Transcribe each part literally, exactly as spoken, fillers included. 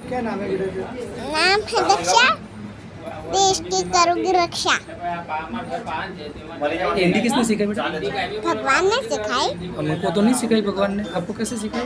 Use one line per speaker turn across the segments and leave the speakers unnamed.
क्या नाम है बेटा का?
नाम है दक्षा, देश की करूंगी रक्षा।
हिंदी किसने सिखाई बेटा?
भगवान ने सिखाई।
हमको तो नहीं सिखाई भगवान ने, आपको कैसे सिखाई?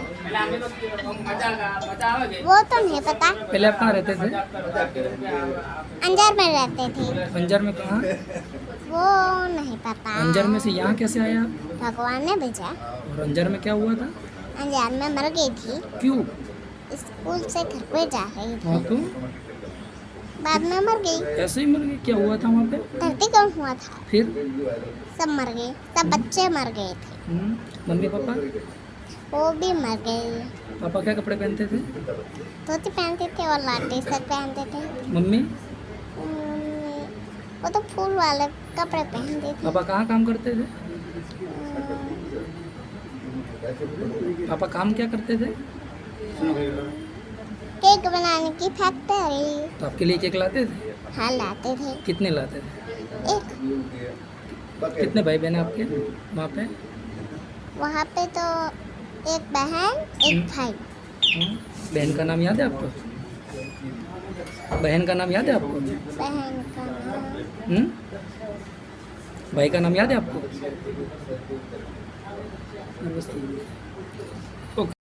वो तो नहीं पता।
पहले आप कहाँ रहते थे?
अंजार में रहते थे।
अंजार में कहाँ?
वो नहीं पता।
अंजार में से यहाँ कैसे आया आप?
भगवान ने भेजा।
और अंजार में क्या हुआ था?
अंजार में मर गई थी।
क्यों?
स्कूल से घर पे जा रही थी,
हाँ तो
बाद में मर गई।
ऐसे ही मर गई? क्या हुआ था वहाँ पे?
धरतीकंप हुआ था,
फिर
सब मर गए, सब बच्चे मर गए थे।
हम्म, मम्मी पापा?
वो भी मर गए।
पापा क्या कपड़े पहनते थे?
धोती पहनते थे और लाल टी शर्ट पहनते थे।
मम्मी?
उम्म, वो तो फूल वाले कपड़े पहनते थे।
पापा कहाँ काम करते थे? पापा काम क्या करते थे?
केक बनाने की फैक्ट्री।
तो आपके लिए केक लाते थे?
हाँ लाते थे।
कितने लाते थे?
एक
कितने भाई बहन हैं आपके वहाँ पे?
वहाँ पे तो एक बहन एक भाई।
हाँ? बहन का नाम याद है आपको? बहन का नाम याद है आपको?
बहन का नाम
हम्म? भाई का नाम याद है आपको? ओके.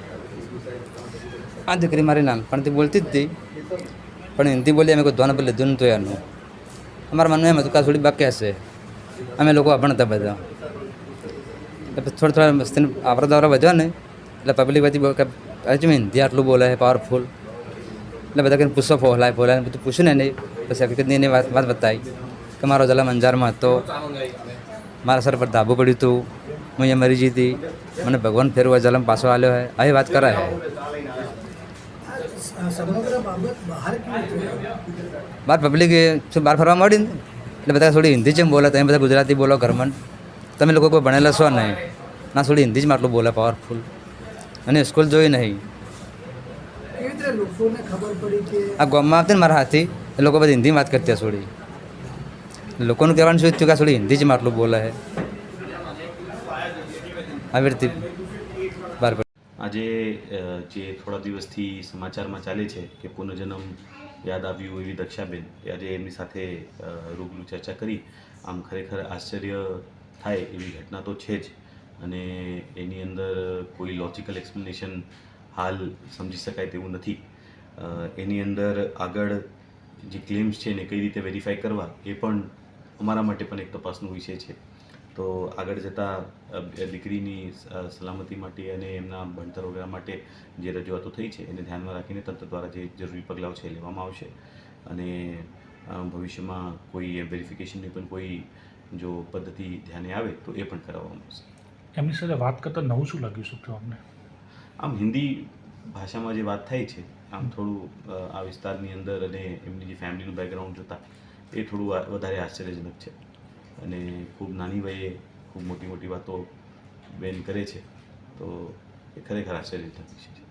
આ દીકરી મારી નાનપણથી બોલતી જ હતી, પણ હિન્દી બોલી અમે કોઈ ધોન પર લીધું નહોતું એનું. અમારા મનમાં એમ હતું કે આ થોડી બાકી હશે, અમે લોકો અભણતા બધા. એટલે થોડા થોડા મસ્તીને આવરા દાવરા વધ્યો ને એટલે પબ્લિક બધી બહુ કે હજુ હિન્દી આટલું બોલે છે પાવરફુલ. એટલે બધા કંઈ પૂછો ફોહલાય ફોહલાય બધું પૂછ્યું ને નહીં. પછી હકીકતની એની વાત વાત બતાવી કે મારો જલમ અંજારમાં હતો, મારા સર પર ધાબુ પડ્યું હતું, હું અહીંયા મરી જઈ હતી, મને ભગવાન ફેરવા જલમ પાછો આવ્યો છે, આવી વાત કરે છે.
સમગ્ર બાબત બહાર કેવી થઈ?
બહાર પબ્લિક બહાર ફરવા મળી ને એટલે બધા થોડી હિન્દી જેમ બોલે, તમે બધા ગુજરાતી બોલો ઘરમાં, તમે લોકો કોઈ ભણેલા છો નહીં, ના થોડી હિન્દી જ આટલું બોલે પાવરફુલ, અને સ્કૂલ જોઈ નહીં.
કેવી રીતે લોકોને ખબર પડી કે
આ ગામમાં આવતી ને મારા હાથી એ લોકો બધી હિન્દીમાં વાત કરતી થોડી, લોકોનું કહેવાનું શું થયું કે આ થોડી હિન્દી જ આટલું બોલે છે, આવી રીતે બહાર પડી.
આજે અ, જે થોડા દિવસથી સમાચારમાં ચાલે છે કે પુનર્જન્મ યાદ આવ્યું એવી દક્ષાબેન, એ આજે એમની સાથે અ, રૂબરૂ ચર્ચા કરી. આમ ખરેખર આશ્ચર્ય થાય એવી ઘટના તો છે જ, અને એની અંદર કોઈ લોજિકલ એક્સપ્લેનેશન હાલ સમજી શકાય તેવું નથી. અ, એની અંદર આગળ જે ક્લેમ્સ છે એને કઈ રીતે વેરીફાઈ કરવા એ પણ અમારા માટે પણ એક તપાસનો વિષય છે. તો આગળ જતાં દીકરીની સલામતી માટે અને એમના ભણતર વગેરે માટે જે રજૂઆતો થઈ છે એને ધ્યાનમાં રાખીને તંત્ર દ્વારા જે જરૂરી પગલાઓ છે એ લેવામાં આવશે, અને ભવિષ્યમાં કોઈ વેરિફિકેશનની પણ કોઈ જો પદ્ધતિ ધ્યાને આવે તો એ પણ કરાવવામાં આવશે.
એમની સાથે વાત કરતાં નવું શું લાગ્યું શું થયું અમને?
આમ હિન્દી ભાષામાં જે વાત થાય છે, આમ થોડું આ વિસ્તારની અંદર અને એમની જે ફેમિલીનું બેકગ્રાઉન્ડ જોતાં એ થોડું વધારે આશ્ચર્યજનક છે, અને ખૂબ નાની વયે ખૂબ મોટી મોટી વાતો બેન કરે છે, તો એ ખરેખર આશ્ચર્યજનક વિષય છે.